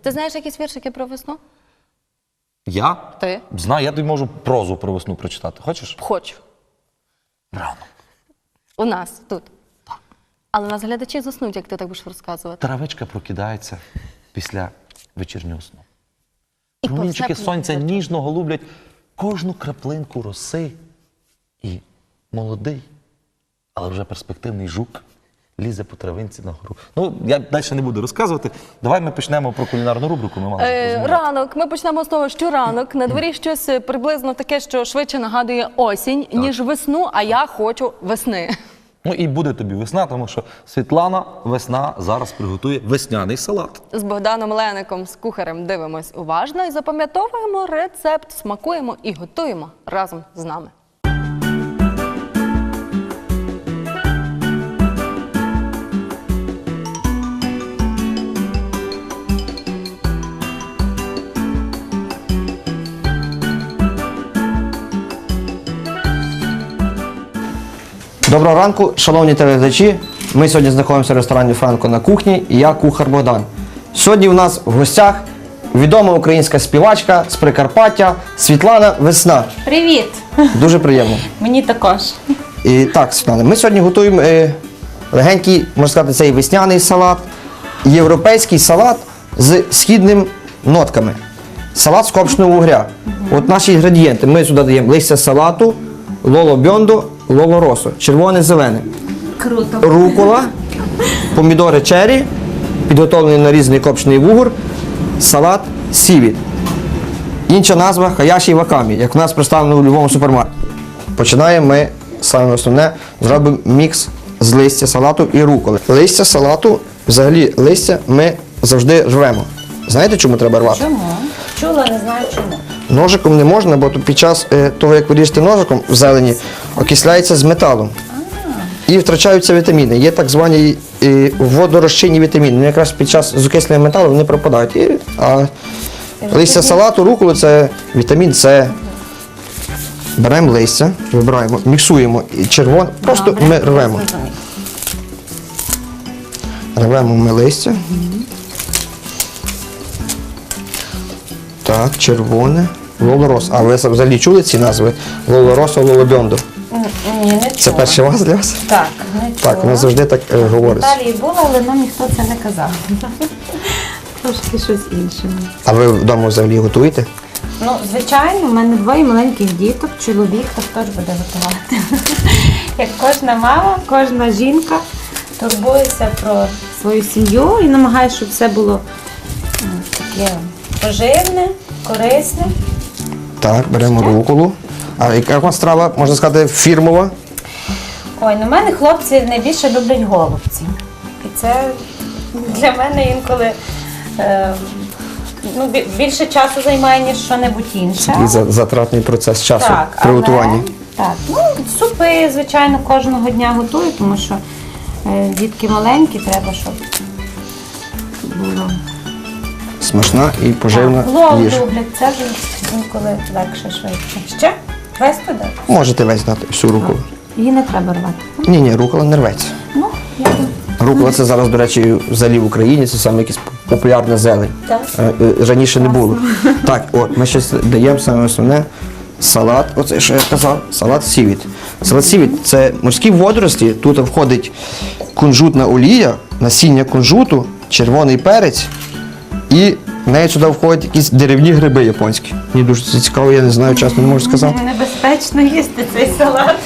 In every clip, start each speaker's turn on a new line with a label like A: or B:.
A: Ти знаєш якісь віршики про весну?
B: Я?
A: Ти?
B: Знаю, я тобі можу прозу про весну прочитати. Хочеш?
A: Хочу.
B: Рано.
A: У нас, тут. Так. Але у нас глядачі заснуть, як ти так будеш розказувати.
B: Травичка прокидається після вечірнього сну.
A: І
B: Промінчики
A: повзе
B: сонця
A: плюс.
B: ніжно голублять кожну краплинку роси. І молодий, але вже перспективний жук лізе по травинці на гору. Ну, я далі не буду розказувати. Давай ми почнемо про кулінарну рубрику. Ми мали розмовляти.
A: Ранок. Ми почнемо з того, що ранок. На дворі щось приблизно таке, що швидше нагадує осінь, ніж весну, а я хочу весни.
B: Ну і буде тобі весна, тому що Світлана весна зараз приготує весняний салат.
A: З Богданом Леником, з кухарем, дивимось уважно і запам'ятовуємо рецепт, смакуємо і готуємо разом з нами.
C: Доброго ранку, шановні телеглядачі. Ми сьогодні знаходимося в ресторані «Франко» на кухні і я кухар Богдан. Сьогодні у нас в гостях відома українська співачка з Прикарпаття Світлана Весна.
D: Привіт!
C: Дуже приємно.
D: Мені також.
C: І так, Світлана, ми сьогодні готуємо легенький, можна сказати, цей весняний салат, європейський салат з східними нотками. Салат з копченого вугря. От наші інгредієнти. Ми сюди даємо листя салату, лоло бьондо, лоло росо, червоне, зелене.
D: Круто.
C: Рукола, помідори черрі, підготовлений нарізаний копчений вугор, салат сівіт. Інша назва хаяші вакамі, як у нас представлено у будь-якому супермаркеті. Починаємо ми, саме основне, зробимо мікс з листя салату і руколи. Листя салату, взагалі листя ми завжди рвемо. Знаєте, чому треба рвати?
D: Чому? Чула, не знаю чому.
C: Ножиком не можна, бо під час того, як ви ріжете ножиком в зелені, окисляється з металом. І втрачаються вітаміни. Є так звані водорозчинні вітаміни. Якраз під час з окислення металу вони пропадають. А листя салату, руколи – це вітамін С. Беремо листя, вибираємо, міксуємо і червоне, просто
D: Добре,
C: ми рвемо.
D: зрозуміло.
C: Рвемо ми листя. Так, червоне, лолорос. А ви взагалі чули ці назви? Лолоросо, лолобьондо.
D: Ні, не чула.
C: Це перший раз для вас?
D: Так, не чула.
C: Так, воно завжди так
D: В
C: говориться.
D: Італії була, але нам ніхто це не казав. Трошки щось інше.
C: А ви вдома взагалі готуєте?
D: Ну, звичайно, в мене двоє маленьких діток, чоловік теж буде готувати. Як кожна мама, кожна жінка турбується про свою сім'ю і намагається, щоб все було таке поживне, корисне.
C: Так, беремо руколу. А яка у вас страва, можна сказати, фірмова?
D: Ой, ну в мене хлопці найбільше люблять голубці. І це для мене інколи більше часу займає, ніж що-небудь інше.
C: І затратний процес часу
D: Так,
C: при готуванні.
D: Так, ну, супи, звичайно, кожного дня готую, тому що дітки маленькі, треба, щоб було.
C: Смачна і поживна
D: Плов
C: їжа.
D: люблять, це вже інколи легше, швидше. Ще? Весь туди?
C: Можете весь дати всю руколу.
D: Її не треба рвати.
C: Ні, рукола не рветься.
D: Ну, я
C: Рукола це зараз, до речі, взагалі в Україні, це саме якась популярна зелень.
D: Так.
C: Раніше не було. Так, от, ми щось даємо саме основне. Салат, оце що я казав, салат сівіт. Салат сівіт – це морські водорості, тут входить кунжутна олія, насіння кунжуту, червоний перець і в неї сюди входять якісь деревні гриби японські. Мені дуже це цікаво, я не знаю, чесно не можу сказати.
D: Небезпечно їсти цей салат.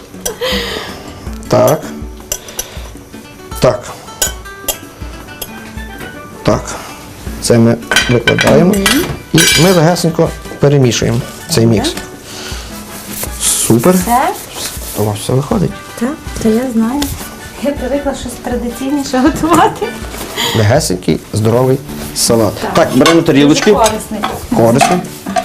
C: Так. Так. Так. Це ми викладаємо і ми легесенько перемішуємо цей мікс. Супер.
D: Це?
C: У вас все виходить.
D: Так, це я знаю. Я привикла щось традиційніше готувати.
C: Легесенький, здоровий салат. Так, беремо тарілочки.
D: Дуже корисний.
C: Корисний.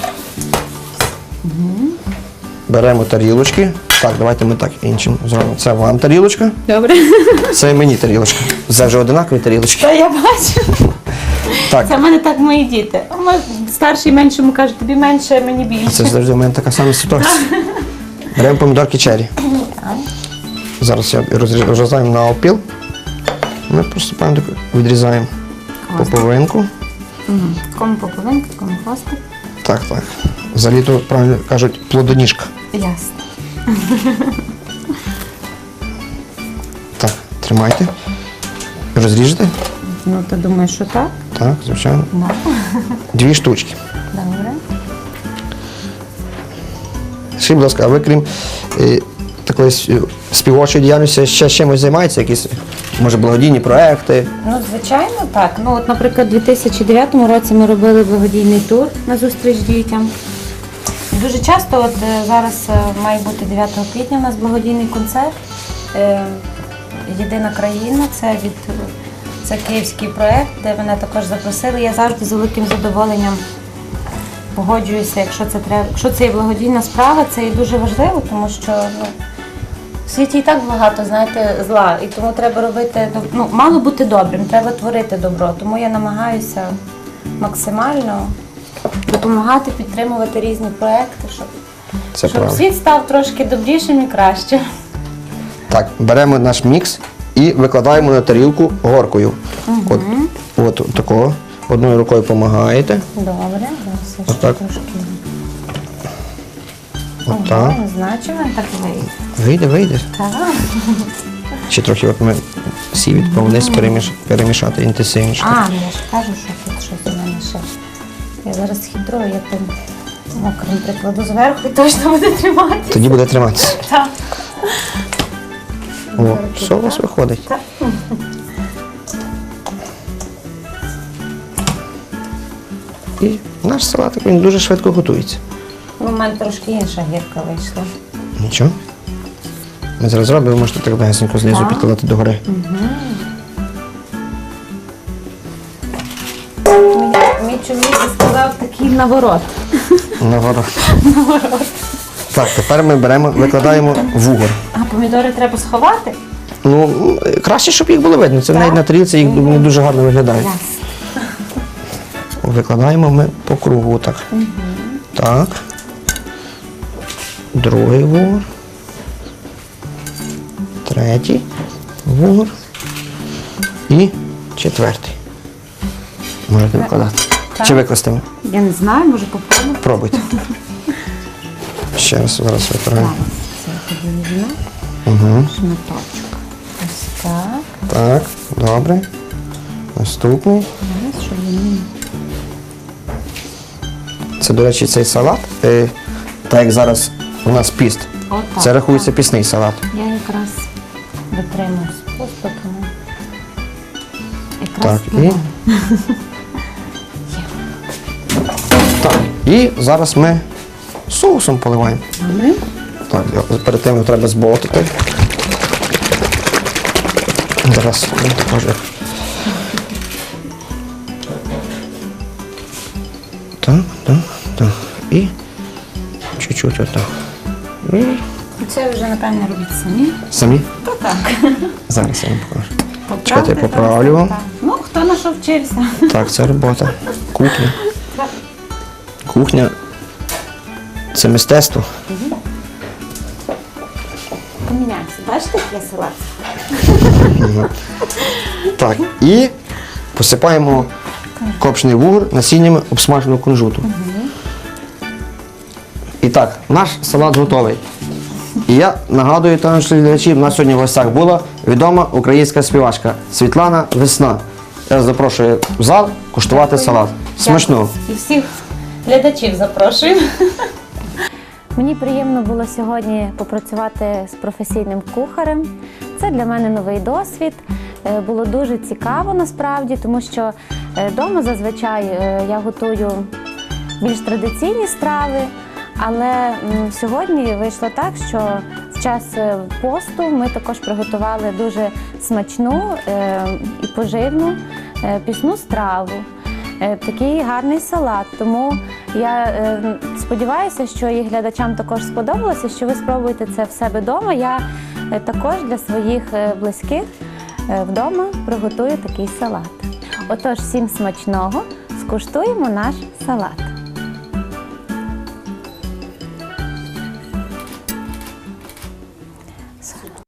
C: Беремо тарілочки. Так, давайте ми так іншим зробимо. Це вам тарілочка,
D: Добре.
C: це мені тарілочка. Це вже одинакові тарілочки.
D: Та я бачу.
C: Так,
D: Це в мене так мої діти. Старший меншому каже, тобі менше, мені більше.
C: це завжди у мене така сама ситуація. Беремо помідорки черрі. Зараз я розрізаємо на опіл. Ми просто відрізаємо по половинку.
D: Кому пополинка, кому хвостик.
C: Так, так. Взагалі то, правильно кажуть, плодоніжка.
D: Ясно.
C: Так, тримайте. Розріжете?
D: Ну, ти думаєш, що так?
C: Так, звичайно.
D: Да.
C: 2 штучки.
D: Добре.
C: Скажіть, будь ласка, а ви крім такої співочої діяльності ще чимось займаєтеся? Якісь, може, благодійні проекти?
D: Ну, звичайно, так. Ну, от, наприклад, у 2009 році ми робили благодійний тур на зустріч дітям. І дуже часто, от зараз має бути 9 квітня у нас благодійний концерт. Єдина країна, це київський проєкт, де мене також запросили. Я завжди з великим задоволенням погоджуюся, якщо це є благодійна справа, це є дуже важливо, тому що в світі і так багато, знаєте, зла, і тому треба робити, мало бути добрим, треба творити добро. Тому я намагаюся максимально допомагати, підтримувати різні проекти,
C: Це
D: щоб
C: правда.
D: світ став трошки добрішим і кращим.
C: Так, беремо наш мікс і викладаємо на тарілку горкою. От такого. Одною рукою допомагаєте.
D: Добре, зараз я ще
C: Отак.
D: трошки.
C: Отак.
D: Не знаю, чи він так вийде.
C: Вийде.
D: Так.
C: Ще трохи от ми сівід вниз перемішати інтенсивніше.
D: А, ну я ж кажу, що тут щось у мене ще. Я зараз хитрую, я тим мокрим прикладу зверху і точно буде тримати.
C: Тоді буде триматися.
D: Так.
C: О, все у вас виходить.
D: Так.
C: І наш салатик, він дуже швидко готується.
D: У мене трошки інша гірка вийшла.
C: Нічого. Ми зараз зробимо, можете так легесенько знизу
D: Так.
C: підкладати догори.
D: Мій чоловік сказав такий наворот.
C: Наворот. Так, тепер ми викладаємо вугор.
D: А помідори треба сховати?
C: Ну, краще, щоб їх було видно. Це
D: Так?
C: навіть на тарілці їх не дуже гарно виглядають.
D: Ясно.
C: Викладаємо ми по кругу так. Так. Другий вугор. Третій вугор. І четвертий. Можете викладати.
D: Так.
C: Чи викласти?
D: Я не знаю, може попробую.
C: Пробуйте. Ще раз зараз викладаємо.
D: Це тоді візьму. Шматочок. Ось так.
C: Так, добре. Наступний.
D: Зараз, щоб він...
C: Це, до речі, цей салат, так як зараз у нас піст,
D: Отак,
C: це рахується пісний салат.
D: Я якраз дотримуюсь посту, тому якраз
C: Так, і... Так, і зараз ми соусом поливаємо.
D: Добре.
C: Так, перед тим його треба зболотити. Зараз ми також. Так, так, так. І чуть-чуть отак. І
D: Це вже, напевно, робіть самі.
C: самі.
D: То так.
C: Зараз я вам покажу.
D: Поправте,
C: Чекайте, я поправлю вам.
D: так. Ну, хто на що вчився?
C: Так, це робота. Кухня. Кухня це мистецтво.
D: Поміняємося. Бачите, як я салат?
C: Так, і посипаємо копчений вугор насіннями обсмаженого кунжуту. І так, наш салат готовий. І я нагадую, що глядачі, в нас сьогодні в гостях була відома українська співачка Світлана Весна. Я запрошую в зал куштувати салат. Смачного!
D: І всіх глядачів запрошую. Мені приємно було сьогодні попрацювати з професійним кухарем. Це для мене новий досвід. Було дуже цікаво насправді, тому що вдома зазвичай я готую більш традиційні страви, але сьогодні вийшло так, що в час посту ми також приготували дуже смачну і поживну пісну страву. Такий гарний салат, тому я сподіваюся, що і глядачам також сподобалося, що ви спробуєте це в себе вдома. Я також для своїх близьких вдома приготую такий салат. Отож, всім смачного, скуштуємо наш салат.